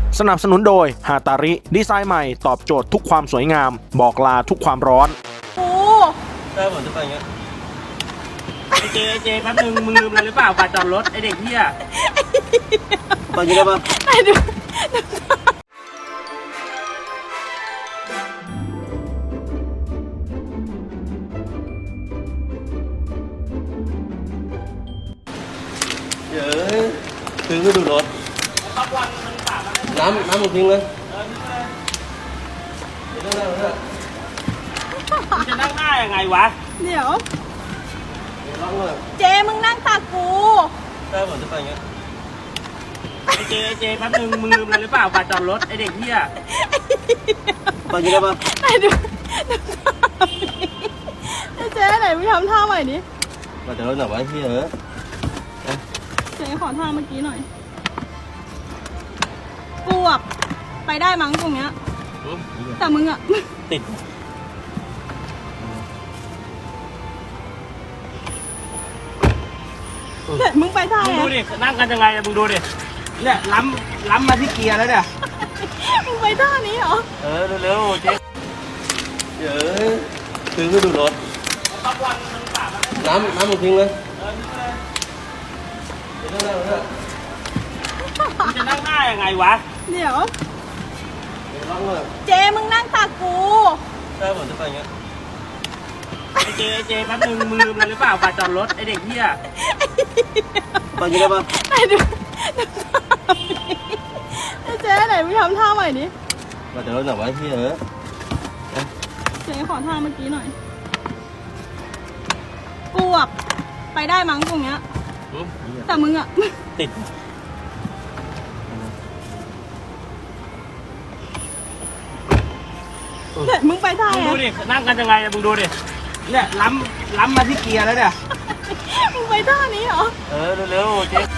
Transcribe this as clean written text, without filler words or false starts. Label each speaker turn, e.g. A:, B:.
A: สนับสนุนโดยฮาตาริดีไซน์ใหม่ตอบโจทย์ทุกความสวยงามบอกลาทุกความร้อน
B: โอ้
C: ได้ผมจะไปอย่างเงี้ย
D: เจแป๊บนึงมึงลืมอะไรหรือเปล่าบัตรจอดรถไอเด็กเหี้ย
C: ไปอย่างเงี้ยได้ปะ
B: ไอ้ดู
C: เดี๋ยวทิ้งไม่ดูรถน้ำมึงทิ้งเลยเดี๋ยวนั่งเลย
D: มึงจะนั่งหน้ายังไงวะ
B: เดี๋ยว
C: ล้างเลย
B: เจมึงนั่งตักกู
C: ได้ผมจะไปอย่างเงี้ย
D: เจแป๊บนึงมึงลืมอะไรหรือเปล่าบัตรจอดรถไอเด็กเหี้ย
C: ไปอย่างเงี้ยได้ปะ
B: ไอ้ดูไอ้เจไหนมึงทำท่าใหม่ดิ
C: มาเดี๋ยวหน่อยไว้ที่เหรอ
B: เจขอท่าเมื่อกี้หน่อยกูอะไปได้มั้งตรงเนี้ยแต่มึงอะ
C: ติด
B: เด็ดมึงไปท่า
D: มึง
B: ไง
D: ดูดินั่งกันยังไงอะมึงดูดิเนี่ยล้ำมาที่เกียร์แล้วเนี่ย
B: มึงไปท่านี้เหรอ
D: เร็วๆเจ๊
C: เดี๋ยวทิ้งไม่ดูรถน้ำมึงทิ้งเลยเดี๋ยวนั่งเลย
D: มึงจะนั่งหน้ายังไงวะ
B: เดี๋ยว
C: ล้างเลย
B: เจมึงนั่งตักกู
C: ได้ผมจะไปอย่างเงี้ย
D: เจแป๊บนึงมึงลืมอะไรหรือเปล่าบัตรจอดรถไอเด็กเหี้ย
C: ไปอย่างเงี้ยได้ปะ
B: ไอ้ดูไอ้เจไหนมึงทำท่าใหม่ดิ
C: มาเดี๋ยวหน่อยไว้ที่เหรอ
B: เจขอท่าเมื่อกี้หน่อยกูอะไปได้มั้งตรงเนี้ยแต่มึงอะ
C: ติด
B: เด็ดมึงไปท่า
D: มึง
B: ไง
D: ดูดินั่งกันยังไงอะมึงดูดิเนี่ยล้ำมาที่เกียร์แล้วเนี่ย
B: มึงไปท่านี้เหรอ
D: เร็วๆเจ๊